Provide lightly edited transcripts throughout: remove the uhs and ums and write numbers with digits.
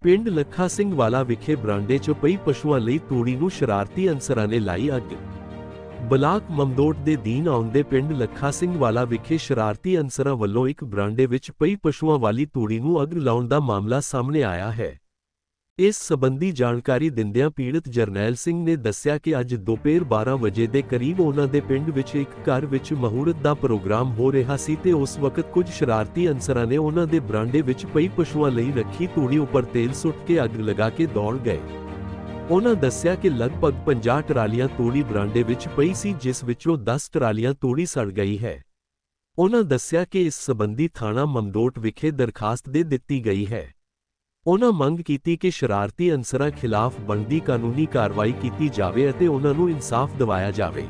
ਪਿੰਡ ਲੱਖਾ ਸਿੰਘ ਵਾਲਾ ਵਿਖੇ ਬਰਾਂਡੇ 'ਚ ਪਈ ਪਸ਼ੂਆਂ ਲਈ ਤੂੜੀ ਨੂੰ ਸ਼ਰਾਰਤੀ ਅਨਸਰਾਂ ਨੇ ਲਾਈ ਅੱਗ। ਬਲਾਕ ਮਮਦੋਟ ਦੇ ਦੀਨ ਆਉਂਦੇ ਪਿੰਡ ਲੱਖਾ ਸਿੰਘ ਵਾਲਾ ਵਿਖੇ ਸ਼ਰਾਰਤੀ ਅਨਸਰਾਂ ਵੱਲੋਂ ਇੱਕ ਬਰਾਂਡੇ ਵਿੱਚ ਪਈ ਪਸ਼ੂਆਂ ਵਾਲੀ ਤੂੜੀ ਨੂੰ ਅੱਗ ਲਾਉਣ ਦਾ ਮਾਮਲਾ ਸਾਹਮਣੇ ਆਇਆ ਹੈ। ਇਸ ਸਬੰਧੀ ਜਾਣਕਾਰੀ ਦਿੰਦਿਆਂ ਪੀੜਤ ਜਰਨੈਲ ਸਿੰਘ ਨੇ ਦੱਸਿਆ ਕਿ ਅੱਜ ਦੁਪਹਿਰ 12 ਵਜੇ ਦੇ ਕਰੀਬ ਉਹਨਾਂ ਦੇ ਪਿੰਡ ਵਿੱਚ ਇੱਕ ਘਰ ਵਿੱਚ ਮਹੂਰਤ ਦਾ ਪ੍ਰੋਗਰਾਮ ਹੋ ਰਿਹਾ ਸੀ ਤੇ ਉਸ ਵਕਤ ਕੁਝ ਸ਼ਰਾਰਤੀ ਅਨਸਰਾਂ ਨੇ ਉਹਨਾਂ ਦੇ ਬਰਾਂਡੇ ਵਿੱਚ ਪਈ ਪਸ਼ੂਆਂ ਲਈ ਰੱਖੀ ਤੂੜੀ ਉੱਪਰ ਤੇਲ ਸੁੱਟ ਕੇ ਅੱਗ ਲਗਾ ਕੇ ਦੌੜ ਗਏ। ਉਹਨਾਂ ਦੱਸਿਆ ਕਿ ਲਗਭਗ 50 ਟਰਾਲੀਆਂ ਤੂੜੀ ਬਰਾਂਡੇ ਵਿੱਚ ਪਈ ਸੀ, ਜਿਸ ਵਿੱਚੋਂ 10 ਟਰਾਲੀਆਂ ਤੂੜੀ ਸੜ ਗਈ ਹੈ। ਉਹਨਾਂ ਦੱਸਿਆ ਕਿ ਇਸ ਸਬੰਧੀ ਥਾਣਾ ਮਮਦੋਟ ਵਿਖੇ ਦਰਖਾਸਤ ਦੇ ਦਿੱਤੀ ਗਈ ਹੈ। ਉਹਨਾਂ ਮੰਗ ਕੀਤੀ ਕਿ ਸ਼ਰਾਰਤੀ ਅਨਸਰਾਂ ਖਿਲਾਫ ਬਣਦੀ ਕਾਨੂੰਨੀ ਕਾਰਵਾਈ ਕੀਤੀ ਜਾਵੇ ਅਤੇ ਉਹਨਾਂ ਨੂੰ ਇਨਸਾਫ ਦਿਵਾਇਆ ਜਾਵੇ।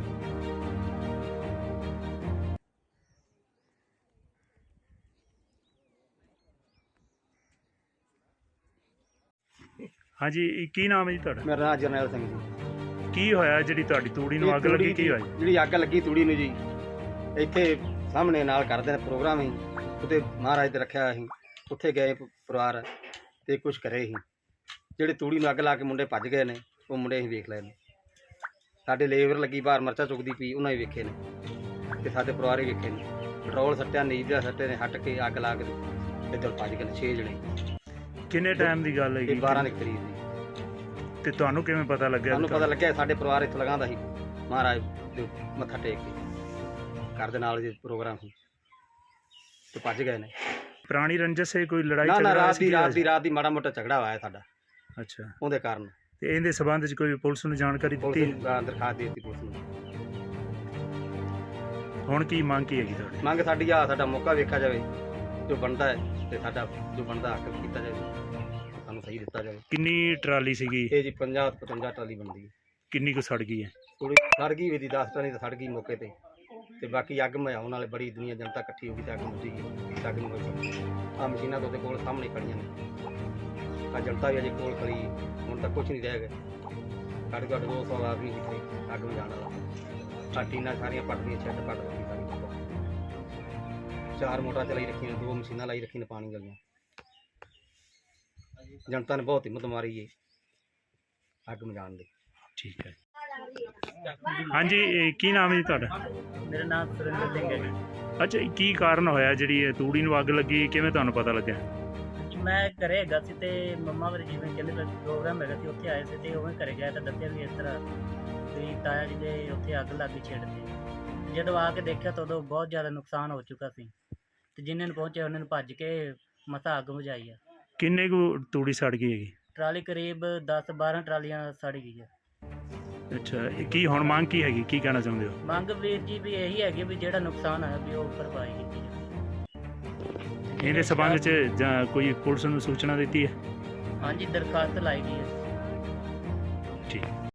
हाँ जी, की नाम है जी तुहाडा? मेरा नाम जरनैल सिंह जी। की होया जिहड़ी तुहाडी तूड़ी नूं अग लगी? की होया जिहड़ी अग लगी तूड़ी नूं जी, ਇੱਥੇ ਸਾਹਮਣੇ ਨਾਲ ਕਰਦੇ ਨੇ ਪ੍ਰੋਗਰਾਮ ਹੀ ਉੱਤੇ ਮਹਾਰਾਜ ਤੇ ਰੱਖਿਆ ਅਸੀਂ ਉੱਥੇ ਗਏ ਪਰਿਵਾਰ ਤੇ ਕੁਝ ਕਰੇ ਸੀ। ਜਿਹੜੇ ਤੂੜੀ ਨੂੰ ਅੱਗ ਲਾ ਕੇ ਮੁੰਡੇ ਭੱਜ ਗਏ ਨੇ, ਉਹ ਮੁੰਡੇ ਅਸੀਂ ਵੇਖ ਲਏ ਨੇ। ਸਾਡੇ ਲੇਬਰ ਲੱਗੀ ਬਾਹਰ ਮਰਚਾ ਚੁੱਕਦੀ ਪਈ, ਉਹਨਾਂ ਹੀ ਵੇਖੇ ਨੇ ਤੇ ਸਾਡੇ ਪਰਿਵਾਰ ਹੀ ਵੇਖੇ ਨੇ। ਪੈਟਰੋਲ ਸੱਟਿਆ, ਨੀਂਦ ਦਾ ਸੱਟੇ ਨੇ, ਹਟ ਕੇ ਅੱਗ ਲਾ ਕੇ ਇੱਧਰ ਭੱਜ ਗਏ ਨੇ 6 ਜਣੇ। ਕਿੰਨੇ ਟਾਈਮ ਦੀ ਗੱਲ ਹੈਗੀ? 12 ਦੀ ਤਰੀਕ ਦੀ। ਤੇ ਤੁਹਾਨੂੰ ਕਿਵੇਂ ਪਤਾ ਲੱਗਿਆ? ਸਾਨੂੰ ਪਤਾ ਲੱਗਿਆ ਸਾਡੇ ਪਰਿਵਾਰ ਇੱਥੇ ਲਗਾਉਂਦਾ ਸੀ ਮਹਾਰਾਜ ਦੇ ਮੱਥਾ ਟੇਕ ਕੇ, ਘਰ ਦੇ ਨਾਲ ਜੀ ਪ੍ਰੋਗਰਾਮ ਸੀ ਤੇ ਭੱਜ ਗਏ ਨੇ। ਪੁਰਾਣੀ ਰੰਜਿਸ਼ ਹੈ, ਕੋਈ ਲੜਾਈ ਨਾ ਝਗੜਾ? ਰਾਤ ਦੀ ਮਾੜਾ ਮੋਟਾ ਝਗੜਾ ਹੋਇਆ ਸਾਡਾ, ਅੱਛਾ। ਉਹਦੇ ਕਾਰਨ ਤੇ ਇਹਦੇ ਸਬੰਧ ਵਿੱਚ ਕੋਈ ਪੁਲਿਸ ਨੂੰ ਜਾਣਕਾਰੀ ਦਿੱਤੀ? ਪੁਲਿਸ ਨੂੰ ਦਰਖਾਸਤ ਦੇ ਦਿੱਤੀ ਪੁਲਿਸ ਨੂੰ। ਹੁਣ ਕੀ ਮੰਗ ਕੀ ਹੈਗੀ ਤੁਹਾਡੀ? ਮੰਗ ਸਾਡੀ ਆ, ਸਾਡਾ ਮੌਕਾ ਵੇਖਿਆ ਜਾਵੇ, ਜੋ ਬਣਦਾ ਹੈ ਤੇ ਸਾਡਾ ਜੋ ਬਣਦਾ ਹੱਕ ਕੀਤਾ ਜਾਵੇ, ਸਾਨੂੰ ਸਹੀ ਦਿੱਤਾ ਜਾਵੇ। ਕਿੰਨੀ ਟਰਾਲੀ ਸੀਗੀ ਇਹ ਜੀ 50-55 ਟਰਾਲੀ ਬਣਦੀ ਹੈ। ਕਿੰਨੀ ਕੁ ਸੜ ਗਈ ਹੈ? ਥੋੜੀ ਸੜ ਗਈ ਵੀ 10 ਟਰਾਲੀ ਤਾਂ ਸੜ ਗਈ ਮੌਕੇ ਤੇ ਬਾਕੀ ਅੱਗ ਮਝਾਉਣ ਵਾਲੇ ਬੜੀ ਦੁਨੀਆ ਜਨਤਾ ਇਕੱਠੀ ਹੋ ਗਈ ਤੇ ਅੱਗ ਮੁੱਝੀ ਗਈ। ਅੱਗ ਨੂੰ ਕੋਈ ਆ ਮਸ਼ੀਨਾਂ ਤੋਂ ਕੋਲ ਸਾਹਮਣੇ ਖੜੀਆਂ ਨੇ, ਆ ਜਨਤਾ ਵੀ ਅਜੇ ਕੋਲ ਖੜੀ, ਹੁਣ ਤੱਕ ਕੁਝ ਨਹੀਂ ਰਹਿ ਗਿਆ। ਘੱਟ ਘੱਟ 200 ਆਦਮੀ ਇੱਥੇ ਅੱਗ ਮਝਾਉਣ ਵਾਲਾ। ਆ ਟੀਨਾਂ ਸਾਰੀਆਂ ਪੱਟਦੀਆਂ, ਛੱਡ ਪੱਟ ਦਿੱਤੀ ਸਾਰੀ। 4 ਮੋਟਰਾਂ ਚਲਾਈ ਰੱਖੀਆਂ, 2 ਮਸ਼ੀਨਾਂ ਲਾਈ ਰੱਖੀਆਂ ਨੇ ਪਾਣੀ ਵਾਲੀਆਂ। ਜਨਤਾ ਨੇ ਬਹੁਤ ਹਿੰਮਤ ਮਾਰੀ ਹੈ ਅੱਗ ਮਝਾਉਣ ਦੀ। ਠੀਕ ਹੈ। ਹਾਂਜੀ, ਕੀ ਨਾਮ ਹੈ ਜੀ ਤੁਹਾਡਾ? ਮੇਰਾ ਨਾਮ ਸੁਰਿੰਦਰ ਸਿੰਘ ਹੈ ਜੀ। ਅੱਛਾ, ਕੀ ਕਾਰਨ ਹੋਇਆ ਜਿਹੜੀ ਇਹ ਤੂੜੀ ਨੂੰ ਅੱਗ ਲੱਗੀ? ਕਿਵੇਂ ਤੁਹਾਨੂੰ ਪਤਾ ਲੱਗਿਆ? ਮੈਂ ਘਰੇ ਹੈਗਾ ਸੀ ਤੇ ਮੰਮਾ ਮੇਰੇ ਜਿਵੇਂ ਕਹਿੰਦੇ ਪ੍ਰੋਗਰਾਮ ਹੈਗਾ ਸੀ, ਉੱਥੇ ਆਏ ਸੀ ਤੇ ਉਵੇਂ ਘਰੇ ਗਿਆ ਤਾਂ ਦੱਸਿਆ ਵੀ ਇਸ ਤਰ੍ਹਾਂ ਵੀ ਤਾਇਆ ਜੀ ਦੇ ਉੱਥੇ ਅੱਗ ਲੱਗ ਛੇੜਤੀ। ਜਦੋਂ ਆ ਕੇ ਦੇਖਿਆ ਤਾਂ ਉਦੋਂ ਬਹੁਤ ਜ਼ਿਆਦਾ ਨੁਕਸਾਨ ਹੋ ਚੁੱਕਾ ਸੀ ਤੇ ਜਿਨ੍ਹਾਂ ਨੂੰ ਪਹੁੰਚਿਆ ਉਹਨਾਂ ਨੂੰ ਭੱਜ ਕੇ ਮਸਾਂ ਅੱਗ ਬੁਝਾਈ ਆ। ਕਿੰਨੇ ਕੁ ਤੂੜੀ ਸੜ ਗਈ ਹੈਗੀ? ਟਰਾਲੀ ਕਰੀਬ 10-12 ਟਰਾਲੀਆਂ ਸੜ ਗਈ ਆ। ਅੱਛਾ, ਕੀ ਹੁਣ ਮੰਗ ਕੀ ਹੈਗੀ? ਕੀ ਕਹਿਣਾ ਚਾਹੁੰਦੇ ਹੋ? ਮੰਗ ਵੀਰ ਜੀ ਵੀ ਇਹੀ ਹੈਗੀ ਵੀ ਜਿਹੜਾ ਨੁਕਸਾਨ ਹੋਇਆ ਵੀ ਉਹ ਭਰਪਾਈ ਕੀਤੀ ਜਾਵੇ। ਇਹਦੇ ਸਬੰਧ ਵਿੱਚ ਜਾਂ ਕੋਈ ਪੁਲਿਸ ਨੂੰ ਸੂਚਨਾ ਦਿੱਤੀ ਹੈ? ਹਾਂਜੀ, ਦਰਖਾਸਤ ਲਾਈ ਗਈ ਹੈ। ਠੀਕ।